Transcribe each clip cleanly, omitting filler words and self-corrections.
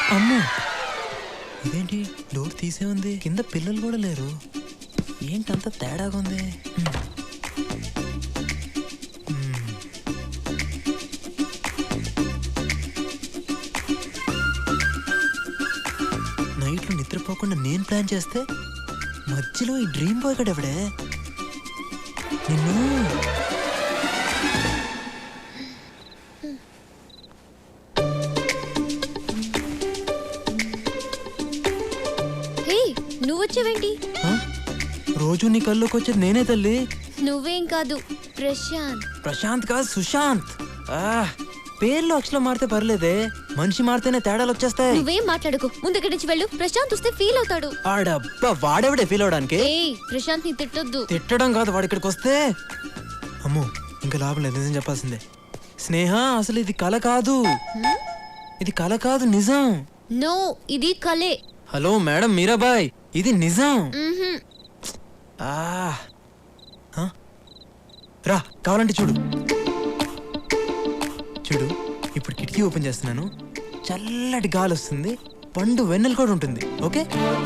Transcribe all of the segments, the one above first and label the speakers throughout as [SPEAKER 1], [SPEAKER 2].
[SPEAKER 1] అమ్మో, ఇదేంటి డోర్ తీసే ఉంది, కింద పిల్లలు కూడా లేరు. ఏంటంత తేడాగా ఉంది? నైట్లో నిద్రపోకుండా నేను ప్లాన్ చేస్తే మధ్యలో ఈ డ్రీమ్ బాయ్ గడ ఎవడే? నిన్ను
[SPEAKER 2] నువ్వు వచ్చావేంటి?
[SPEAKER 1] రోజు నీ కల్లోకి వచ్చేది నేనే తల్లి.
[SPEAKER 2] నువ్వేం కాదు, ప్రశాంత్.
[SPEAKER 1] ప్రశాంత్ కాదు, సుశాంత్. పేర్లు అక్షరం మారితే పర్లేదే, మనిషి మారితేనే తేడాలు వచ్చేస్తాయి.
[SPEAKER 2] నువ్వేం మాట్లాడుకో, ముందు ఇక్కడి నుంచి వెళ్ళు. ప్రశాంత్ వస్తే ఫీల్ అవుతాడు.
[SPEAKER 1] ఆడబ్బా, వాడెవడే ఫీల్ అవడానికి?
[SPEAKER 2] ప్రశాంత్ ని తిట్టొద్దు.
[SPEAKER 1] తిట్టడం కాదు, వాడు ఇక్కడికి వస్తే అమ్మో ఇంకా లాభం లేదు, నిజం చెప్పాల్సిందే. స్నేహ, అసలు ఇది కల కాదు, ఇది కల కాదు, నిజం.
[SPEAKER 2] నో, ఇది కలే.
[SPEAKER 1] హలో మేడం మీరాబాయ్, ఇది నిజం. రా, కావాలంటే చూడు చూడు. ఇప్పుడు కిటికీ ఓపెన్ చేస్తున్నాను, చల్లటి గాలి వస్తుంది, పండు వెన్నెల కూడా ఉంటుంది. ఓకే,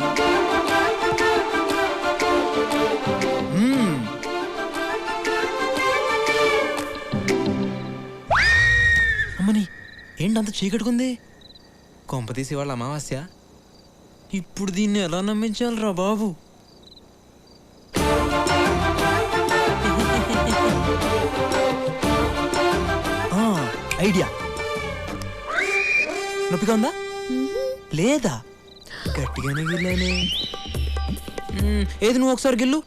[SPEAKER 1] అమ్మని ఏంటంత చీకట్టుకుంది? కొంప తీసి వాళ్ళ అమావాస్య. ఇప్పుడు దీన్ని ఎలా నమ్మించాలరా బాబు? ఐడియా. నొప్పిగా ఉందా? లేదా? గట్టిగానే గిల్లానే. ఏది నువ్వు ఒకసారి గిల్లు.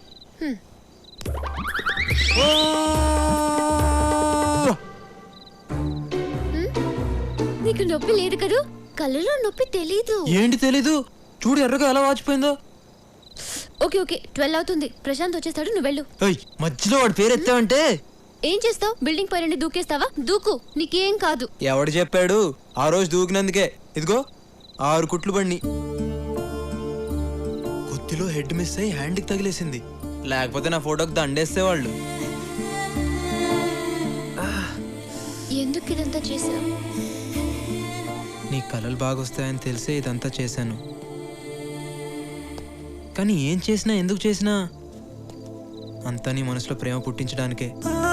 [SPEAKER 2] నీకు నొప్పి లేదు కదూ? కళ్ళలో నొప్పి తెలీదు.
[SPEAKER 1] ఏంటి తెలీదు? చూడు ఎర్రగా ఎలా వాచిపోయిందో.
[SPEAKER 2] ఓకే ఓకే, 12 అవుతుంది. ప్రశాంత్ వచ్చేస్తాడు, నువ్వు వెళ్ళు.
[SPEAKER 1] మధ్యలో వాడి పేరు ఎత్తావంటే
[SPEAKER 2] ఏం చేస్తావు? బిల్డింగ్ పైన దూకేస్తావా? దూకు, నీకేం కాదు.
[SPEAKER 1] ఎవడు చెప్పాడు? ఆ రోజు దూకినందుకే ఇదిగో 6 కుట్లు పడిని. కొద్దిలో హెడ్ మిస్ అయ్యి హ్యాండ్కి తగిలేసింది, లేకపోతే నా ఫోటోకి దండేస్తే వాళ్ళు.
[SPEAKER 2] ఎందుకు ఇదంతా చేశావు?
[SPEAKER 1] నీ కలలు బాగొస్తాయని తెలిసే ఇదంతా చేశాను. కానీ ఏం చేసినా, ఎందుకు చేసినా అంతా నీ మనసులో ప్రేమ పుట్టించడానికే.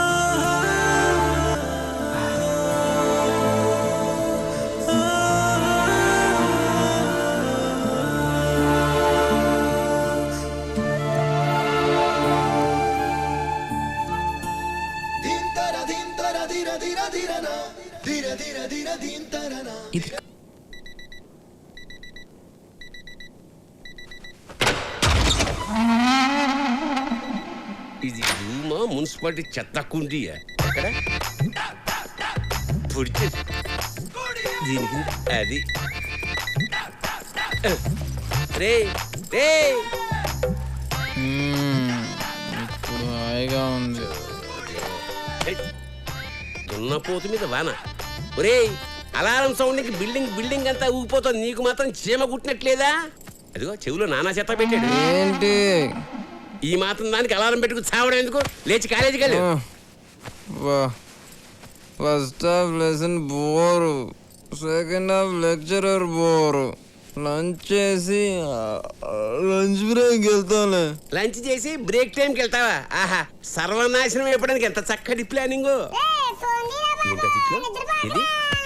[SPEAKER 1] ఇది
[SPEAKER 3] ఇది రూమా, మున్సిపాలిటీ చెత్త కుండీయా? దీనికి అది రే రే
[SPEAKER 1] ఇప్పుడు హాయిగా ఉంది.
[SPEAKER 3] దున్నపోతు మీద వాన. ఒరే, అలారం సౌండ్కి బిల్డింగ్ అంతా ఊగిపోతుంది, నీకు మాత్రం చీమ కుట్టినట్లేదా? అదిగో చెవులో నానా చెత్త పెట్టాడు.
[SPEAKER 1] ఏంటి
[SPEAKER 3] ఈ మాత్రం దానికి అలారం పెట్టుకు చావడం ఎందుకు? లేచి కాలేజీకి వెళ్ళు.
[SPEAKER 1] First half lesson bore, second half lecturer bore. Lunch చేసి లంచ్ బ్రేక్ వెళ్తాను.
[SPEAKER 3] లంచ్ చేసి బ్రేక్ టైంకి వెళ్తావా? ఆహా, సర్వనాశనం అయిపోవడానికి ఎంత చక్కటి ప్లానింగ్. ఇది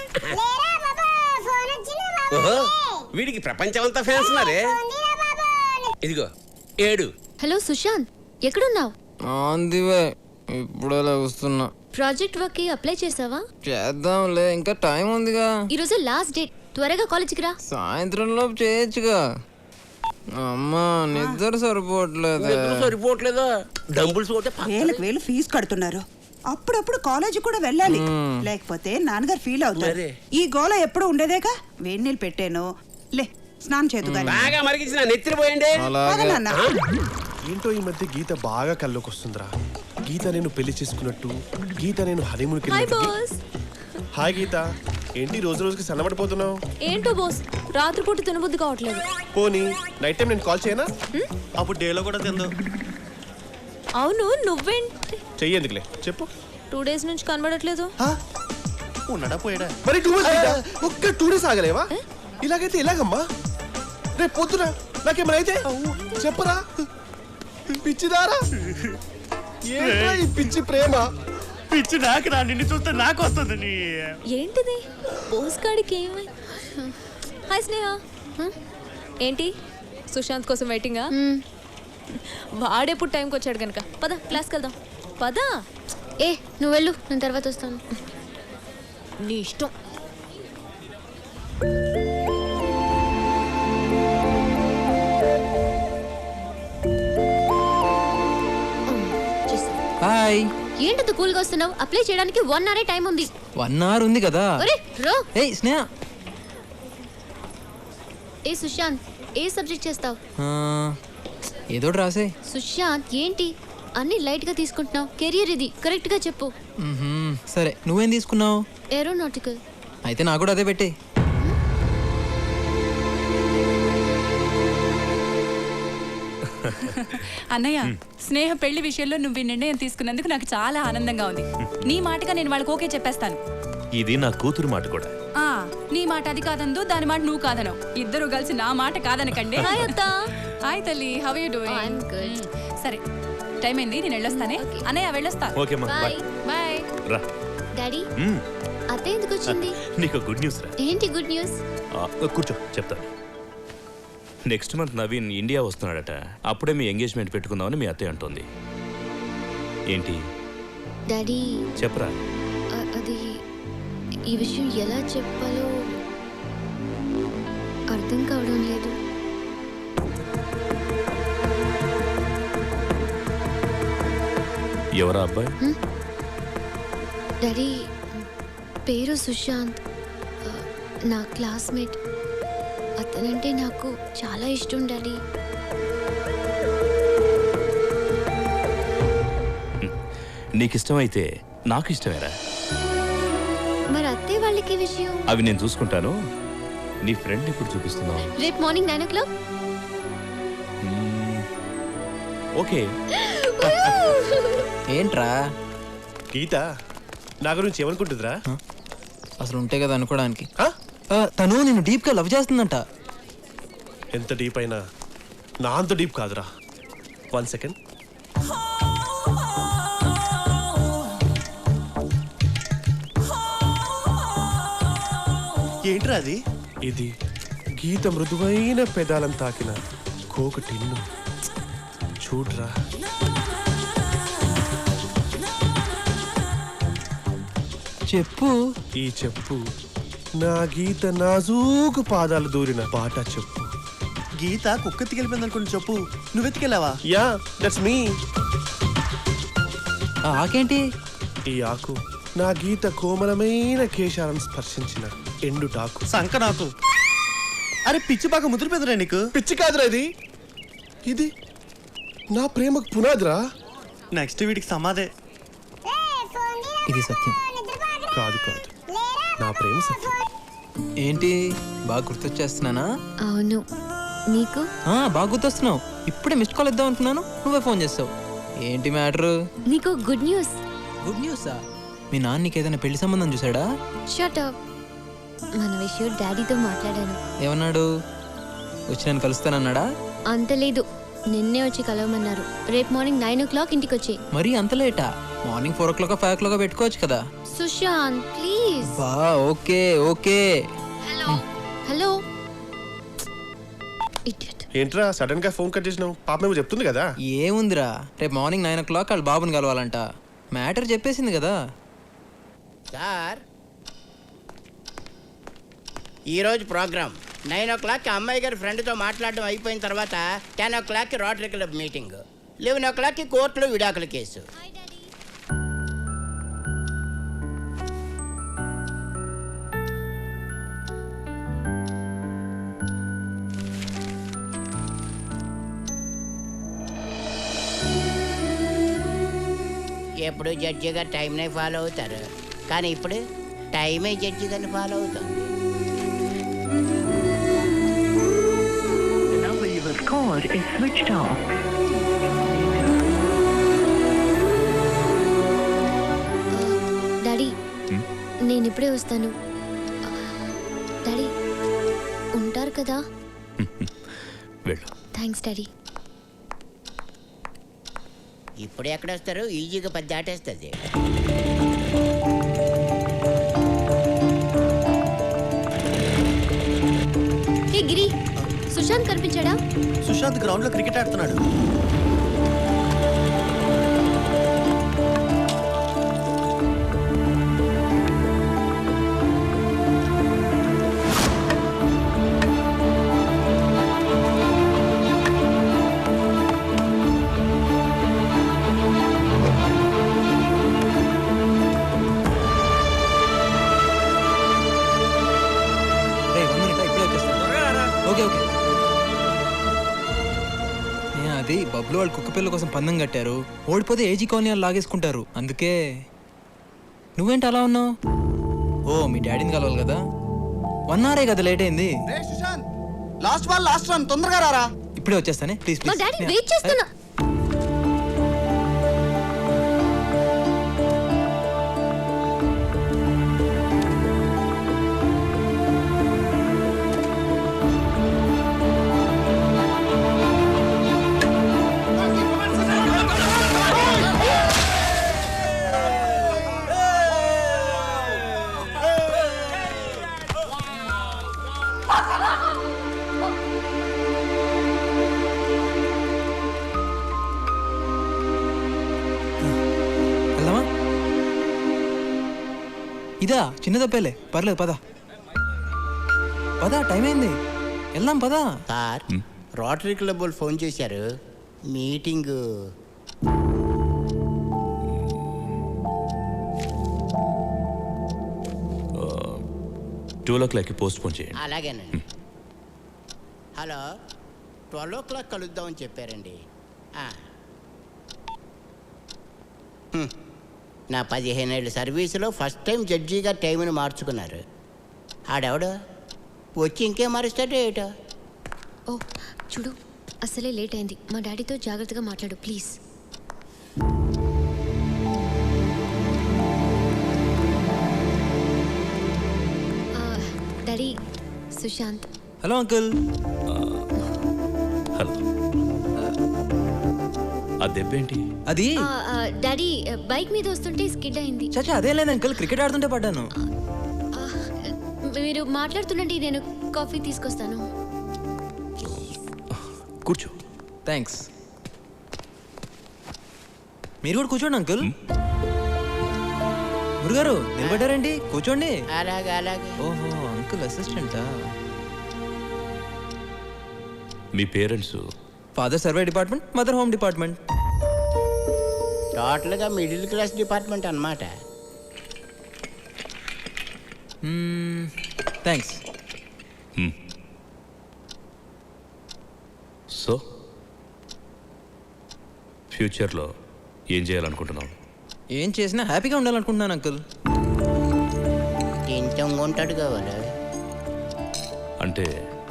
[SPEAKER 3] ఓహో, వీడికి ప్రపంచం అంతా ఫ్యాన్స్ ఉన్నారే. ఇదిగో 7.
[SPEAKER 2] హలో సుశాంత్, ఎక్కడున్నావు?
[SPEAKER 1] ఇప్పుడు అలా వస్తున్నా.
[SPEAKER 2] ప్రాజెక్ట్ వర్క్ కి అప్లై చేసావా?
[SPEAKER 1] చేద్దాంలే, ఇంకా టైం ఉందిగా.
[SPEAKER 2] ఈరోజు లాస్ట్ డేట్, త్వరగా కాలేజీకి రా.
[SPEAKER 1] సాయంత్రం లోపు చేయొచ్చుగా. అమ్మా నిద్ర సరిపోవట్లేదా?
[SPEAKER 3] డంబుల్స్ కొట్టే
[SPEAKER 4] వేలు ఫీజు కడుతున్నారు. అప్పుడప్పుడు కాలేజీ కూడా వెళ్ళాలి, లేకపోతే నాన్నగారు ఫీల్ అవుతారు. ఈ గోల ఎప్పుడు ఉండేదేగా. వేడి నీళ్ళు పెట్టాను, లే స్నానం చేదు.
[SPEAKER 3] బాగా మరిగించిన నెత్తిరిపోయండి.
[SPEAKER 5] ఏంటో ఈ మధ్య గీత బాగా కల్లోకి వస్తుందిరా. గీత నేను పెళ్లి చేసుకున్నట్టు, గీత నేను హనీమూన్కి వెళ్ళినట్టు. హాయ్ గీత, ఏంటి రోజు రోజుకి సన్నబడిపోతున్నావు?
[SPEAKER 2] ఏంటో బాస్, రాత్రిపూట తినబుద్ధి కావట్లేదు.
[SPEAKER 5] పోనీ నైట్ టైం నేను కాల్ చేయనా? అప్పుడు డేలో కూడా తిందు.
[SPEAKER 2] అవును, నువ్వేంటి?
[SPEAKER 5] చెయ్యేందుకులే చెప్పు.
[SPEAKER 2] 2 days నుంచి కనబడట్లేదు.
[SPEAKER 5] ఉన్నాడా పోయాడా? మరి 2 days ఒక్క 2 days ఆగలేవా? ఇలాగైతే ఎలాగమ్మా? రేపు పొద్దున నాకేమైనా అయితే చెప్పరా? పిచ్చిదారా? ఏంట్రా ఈ పిచ్చి ప్రేమ?
[SPEAKER 6] పిచ్చి నాకు రా, నిన్ను చూస్తే నాకు వస్తుంది.
[SPEAKER 2] ఏంటిది పోస్ట్ కార్డ్కి ఏమై? హాయ్ స్నేహ.
[SPEAKER 7] ఏంటి సుశాంత్ కోసం వెయిటింగా? వాడెప్పుడు టైంకి వచ్చాడు కనుక పద క్లాస్కి వెళ్దాం. పద.
[SPEAKER 2] ఏ నువ్వు వెళ్ళు, నేను తర్వాత వస్తాను.
[SPEAKER 7] నీ ఇష్టం.
[SPEAKER 1] హాయ్.
[SPEAKER 2] ఏంటంత కూల్గా వస్తున్నావు? అప్లై చేయడానికి 1 hour టైం ఉంది.
[SPEAKER 1] 1 hour ఉంది కదా.
[SPEAKER 2] ఒరే రో.
[SPEAKER 1] ఏయ్ స్నేహ.
[SPEAKER 2] ఏ సుశాంత్, ఏ సబ్జెక్ట్ చేస్తావు?
[SPEAKER 1] ఏదో ఒకటి రాసే.
[SPEAKER 2] సుశాంత్ ఏంటి అన్ని లైట్ గా తీసుకుంటున్నావు? కెరియర్ ఇది, కరెక్ట్ గా చెప్పు.
[SPEAKER 1] సరే నువ్వేం తీసుకున్నావు?
[SPEAKER 2] ఏరోనాటికల్.
[SPEAKER 1] అయితే నాకు కూడా అదే పెట్టే.
[SPEAKER 8] అన్నయ్య, స్నేహ పెళ్లి విషయంలో నువ్వు ఈ నిర్ణయం తీసుకున్నందుకు నాకు చాలా ఆనందంగా ఉంది. నీ మాటగా నేను వాళ్ళకి ఓకే చెప్పేస్తాను.
[SPEAKER 6] ఇది నా కూతురు మాట కూడా.
[SPEAKER 8] ఆ నీ మాట అది కాదందు, దాని మాట నువ్వు కాదనవు. ఇద్దరు కలిసి నా మాట కాదనకండి.
[SPEAKER 7] హాయ్ అత్త.
[SPEAKER 8] హాయ్ తల్లి, how you
[SPEAKER 2] I'm
[SPEAKER 8] doing?
[SPEAKER 2] good.
[SPEAKER 8] సరే టైం అయింది, నేను వెళ్ళొస్తానే. అన్నయ్య వెళ్ళొస్తా.
[SPEAKER 6] ఓకే అమ్మా, బాయ్.
[SPEAKER 8] బాయ్.
[SPEAKER 6] రా.
[SPEAKER 2] డాడీ అత్త ఎందుకు వచ్చింది?
[SPEAKER 6] నీకు గుడ్ న్యూస్ రా.
[SPEAKER 2] ఏంటి గుడ్ న్యూస్?
[SPEAKER 6] కూర్చో చెప్తాను. నెక్స్ట్ మంత్ నవీన్ ఇండియా వస్తున్నాడట. అప్పుడే మీ ఎంగేజ్మెంట్ పెట్టుకుందామని మీ అత్తయ్య అంటుంది. ఏంటి
[SPEAKER 2] డాడీ
[SPEAKER 6] చెప్పరా?
[SPEAKER 2] అది ఈ విషయం ఎలా చెప్పాలో అర్థం కావడం లేదు.
[SPEAKER 6] ఎవరా అబ్బాయి?
[SPEAKER 2] డాడీ పేరు సుశాంత్, నా క్లాస్మేట్. అతనంటే నాకు చాలా ఇష్టం డాడీ.
[SPEAKER 6] నీకు ఇష్టమైతే నాకు ఇష్టమేరా.
[SPEAKER 2] మరి అత్తే వాళ్ళకి విషయం?
[SPEAKER 6] అవి నేను చూసుకుంటాను. నీ ఫ్రెండ్ ఇప్పుడు చూపిస్తున్నావు.
[SPEAKER 2] రేపు మార్నింగ్ 9 o'clock.
[SPEAKER 6] ఓకే.
[SPEAKER 1] ఏంట్రా?
[SPEAKER 5] గీత నా గురించి ఏమనుకుంటుందిరా?
[SPEAKER 1] అసలు ఉంటే కదా అనుకోవడానికి.
[SPEAKER 5] హ?
[SPEAKER 1] తను నిన్ను డీప్ గా లవ్ చేస్తుందంట.
[SPEAKER 5] ఎంత డీప్ అయినా నా అంత డీప్ కాదురా. 1 second.
[SPEAKER 6] ఏంట్రా అది?
[SPEAKER 5] ఇది గీత మృదువైన పెదాలను తాకిన కోక టిన్ను. చూడ్రా.
[SPEAKER 1] చెప్పు.
[SPEAKER 5] ఈ చెప్పు నా గీత నాజూకు పాదాలు దూరిన బాటా చెప్పు.
[SPEAKER 9] గీత కుక్కెత్తికెళ్ళిపోయింది అనుకుని చెప్పు. నువ్వెత్తికెళ్ళావా?
[SPEAKER 5] Yeah, that's me.
[SPEAKER 1] ఆకేంటి?
[SPEAKER 5] ఈ ఆకు నా గీత కోమలమైన కేశాలను స్పర్శించిన ఎండుటాకు.
[SPEAKER 9] సంక నాకు. అరే పిచ్చి బాగా ముదిరిపోయిందిరా నీకు.
[SPEAKER 5] పిచ్చి కాదురా ఇది. ఇది నా ప్రేమకు పునాదిరా.
[SPEAKER 9] నెక్స్ట్ వీడికి సమాధే.
[SPEAKER 1] ఇది సత్యం.
[SPEAKER 5] కాదు కాదు, నా ప్రేమ సత్యం.
[SPEAKER 1] ఏంటి బాగా గుర్తొచ్చేస్తున్నానా?
[SPEAKER 2] అవును. నీకు?
[SPEAKER 1] బాగా గుర్తొస్తున్నావు. ఇప్పుడే మిస్డ్ కాల్ ఇద్దాం అనుకున్నాను, నువ్వే ఫోన్ చేస్తావు. ఏంటి మ్యాటర్?
[SPEAKER 2] నీకు గుడ్ న్యూస్.
[SPEAKER 1] గుడ్ న్యూసా? మీ నాన్న నీకు ఏదైనా పెళ్లి సంబంధం చూసాడా?
[SPEAKER 2] Shut up. మన విషయం డాడీతో మాట్లాడాను.
[SPEAKER 1] ఏమన్నాడు? వచ్చి నన్ను కలుస్తానన్నాడా?
[SPEAKER 2] అంత లేదు, నిన్నే వచ్చి కలవమన్నారు. రేపు మార్నింగ్ 9 o'clock ఇంటికి వచ్చి.
[SPEAKER 1] మరి అంత లేటా? మార్నింగ్ 4 o'clock 5 o'clock పెట్టుకోవచ్చు కదా.
[SPEAKER 2] సుశాంత్ ప్లీజ్.
[SPEAKER 1] బా okay okay.
[SPEAKER 2] Hello hello. Idiot.
[SPEAKER 5] ఏంట్రా సడన్ గా ఫోన్ కట్ చేసినావు? పాప మేము చెప్తుంది కదా.
[SPEAKER 1] ఏముందిరా, రేపు మార్నింగ్ 9 o'clock వాళ్ళ బాబుని కలవాలంట. మ్యాటర్ చెప్పేసింది కదా.
[SPEAKER 10] సార్ ఈరోజు ప్రోగ్రామ్ 9 o'clock అమ్మాయి గారి ఫ్రెండ్తో మాట్లాడడం అయిపోయిన తర్వాత 10 o'clock rotary club meeting, 11 o'clock కోర్టులో విడాకుల కేసు. ఎప్పుడు జడ్జి గారు టైంనే ఫాలో అవుతారు, కానీ ఇప్పుడు టైమే జడ్జి గారిని ఫాలో అవుతుంది.
[SPEAKER 2] డాడీ నేను ఇప్పుడే వస్తాను. డాడీ కదా.
[SPEAKER 6] వెళ్ళు.
[SPEAKER 2] Thanks daddy.
[SPEAKER 10] ఇప్పుడు ఎక్కడ వస్తారు? ఈజీగా 10 దాటేస్తుంది.
[SPEAKER 2] హే గిరి, సుశాంత్ కనిపించాడా?
[SPEAKER 9] సుశాంత్ గ్రౌండ్ లో క్రికెట్ ఆడుతున్నాడు.
[SPEAKER 1] రేయ్, 1 minute, ఇప్పుడే వచ్చేస్తాను. Okay okay. అది బబ్లు వాళ్ళు కుక్క పిల్ల కోసం పందెం కట్టారు. ఓడిపోతే ఏజీ కాలనీ వాళ్ళు లాగేసుకుంటారు. అందుకే నువ్వేంటి అలా ఉన్నావు? ఓ మీ డాడీని కలవాలి కదా. 1 hour కదా లేట్ అయింది.
[SPEAKER 9] లాస్ట్ బాల్ లాస్ట్ రన్, తొందరగా రారా.
[SPEAKER 1] ఇప్పుడే వచ్చేస్తానే ప్లీజ్
[SPEAKER 2] మా
[SPEAKER 1] ప్లీజ్.
[SPEAKER 2] డాడీ వెయిట్ చేస్తున్నా.
[SPEAKER 1] వెళ్దామా? ఇదా చిన్న తప్పేలే, పర్లేదు పద పద, టైం అయింది, వెళ్దాం పద.
[SPEAKER 10] సార్, రోటరీ క్లబ్ వాళ్ళు ఫోన్ చేశారు. మీటింగ్
[SPEAKER 6] 12 o'clock పోస్ట్ పోన్ చేయండి.
[SPEAKER 10] అలాగేనండి. హలో, 12 o'clock కలుద్దామని చెప్పారండి. నా 15 ఏళ్ళ సర్వీసులో ఫస్ట్ టైం జడ్జిగా టైంని మార్చుకున్నారు. ఆడెవడు వచ్చి ఇంకేం మారుస్తాడో ఏటో.
[SPEAKER 2] ఓ చూడు, అసలే లేట్ అయింది. మా డాడీతో జాగ్రత్తగా మాట్లాడు please. Daddy, Sushant.
[SPEAKER 1] Hello uncle.
[SPEAKER 6] Hello. ఆ దెబ్బేంటి?
[SPEAKER 1] అది
[SPEAKER 2] డాడీ బైక్ మీద వస్తుంటే స్కిడ్ అయింది.
[SPEAKER 1] చచ్చా అదే లేదు అంకుల్, క్రికెట్ ఆడుతుంటే పడ్డాను.
[SPEAKER 2] మీరు మాట్లాడుతుండండి, నేను కాఫీ తీసుకొస్తాను.
[SPEAKER 6] కూర్చో.
[SPEAKER 1] థ్యాంక్స్. మీరు కూడా కూర్చోండి అంకుల్. గురుగారు నిలబడ్డారేంటి? కూర్చోండి.
[SPEAKER 10] అలాగే అలాగే.
[SPEAKER 1] ఓహో, అంకుల్ అసిస్టెంటా?
[SPEAKER 6] మీ parents?
[SPEAKER 1] Father survey department, mother home department.
[SPEAKER 10] టోటల్గా మిడిల్ క్లాస్ డిపార్ట్మెంట్ అన్నమాట.
[SPEAKER 1] థ్యాంక్స్.
[SPEAKER 6] సో ఫ్యూచర్లో ఏం చేయాలనుకుంటున్నావు?
[SPEAKER 1] ఏం చేసినా హ్యాపీగా ఉండాలనుకుంటున్నాను అంకుల్.
[SPEAKER 10] ఇంతం ఉంటాడు కావాలి.
[SPEAKER 6] అంటే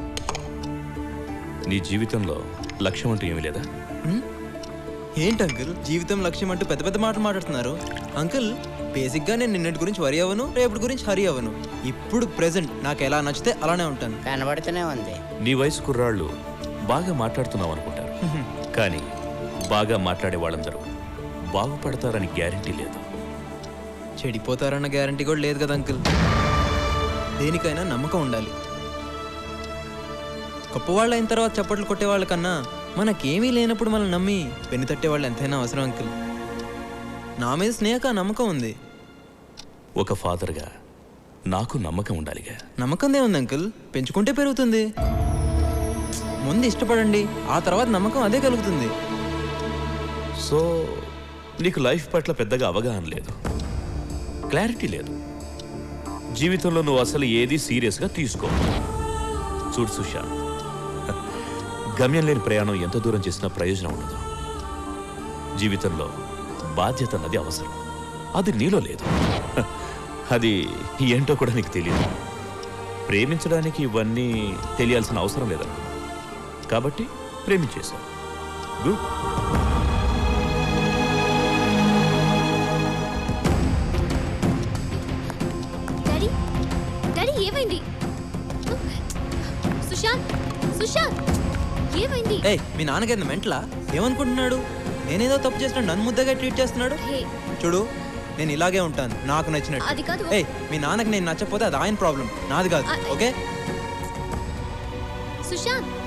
[SPEAKER 6] నీ జీవితంలో లక్ష్యం అంటూ ఏమీ లేదా?
[SPEAKER 1] ఏంటి అంకుల్ జీవితం లక్ష్యం అంటూ పెద్ద పెద్ద మాటలు మాట్లాడుతున్నారు? అంకుల్ బేసిక్గా నేను నిన్నటి గురించి వరి అవ్వను, రేపటి గురించి హరి అవ్వను. ఇప్పుడు ప్రెసెంట్ నాకు ఎలా నచ్చితే అలానే ఉంటాను.
[SPEAKER 10] కనబడుతూనే ఉంది.
[SPEAKER 6] నీ వయసు కుర్రాళ్ళు బాగా మాట్లాడుతున్నావు అనుకుంటారు, కానీ బాగా మాట్లాడే వాళ్ళందరూ బాగుపడతారని గ్యారంటీ లేదు.
[SPEAKER 1] చెడిపోతారన్న గ్యారంటీ కూడా లేదు కదా అంకుల్. దేనికైనా నమ్మకం ఉండాలి. గొప్పవాళ్ళు అయిన తర్వాత చప్పట్లు కొట్టేవాళ్ళ కన్నా మనకేమీ లేనప్పుడు మనం నమ్మి పెన్ను తట్టేవాళ్ళు ఎంతైనా అవసరం అంకుల్. నా మీద స్నేహక నమ్మకం ఉంది.
[SPEAKER 6] ఒక ఫాదర్గా నాకు నమ్మకం ఉండాలిగా.
[SPEAKER 1] నమ్మకందే ఉంది అంకుల్, పెంచుకుంటే పెరుగుతుంది. ముందు ఇష్టపడండి, ఆ తర్వాత నమ్మకం అదే కలుగుతుంది.
[SPEAKER 6] సో నీకు లైఫ్ పట్ల పెద్దగా అవగాహన లేదు, క్లారిటీ లేదు. జీవితంలో నువ్వు అసలు ఏది సీరియస్గా తీసుకో. చూడు సుశాంత్, గమ్యం లేని ప్రయాణం ఎంత దూరం చేసినా ప్రయోజనం ఉండదు. జీవితంలో బాధ్యత అన్నది అవసరం, అది నీలో లేదు. అది ఏంటో కూడా నీకు తెలియదు. ప్రేమించడానికి ఇవన్నీ తెలియాల్సిన అవసరం లేదనుకో, కాబట్టి ప్రేమించేశావు. గుడ్.
[SPEAKER 2] డాడీ, డాడీ ఏమైంది? సుశాంత్, సుశాంత్ ఏమైంది?
[SPEAKER 1] ఏయ్ మీ నాన్నగారిని మెంటలా? ఏమనుకుంటున్నాడు? నేనేదో తప్పు చేసినా నన్ను ముద్దగా ట్రీట్ చేస్తున్నాడు.
[SPEAKER 2] హే,
[SPEAKER 1] చూడు నేను ఇలాగే ఉంటాను నాకు
[SPEAKER 2] అది
[SPEAKER 1] నచ్చినట్టు.
[SPEAKER 2] కాదు.
[SPEAKER 1] ఏయ్ మీ నాన్నకి నేను నచ్చకపోతే అది ఆయన ప్రాబ్లం, నాది కాదు. ఓకే
[SPEAKER 2] సుశాంత్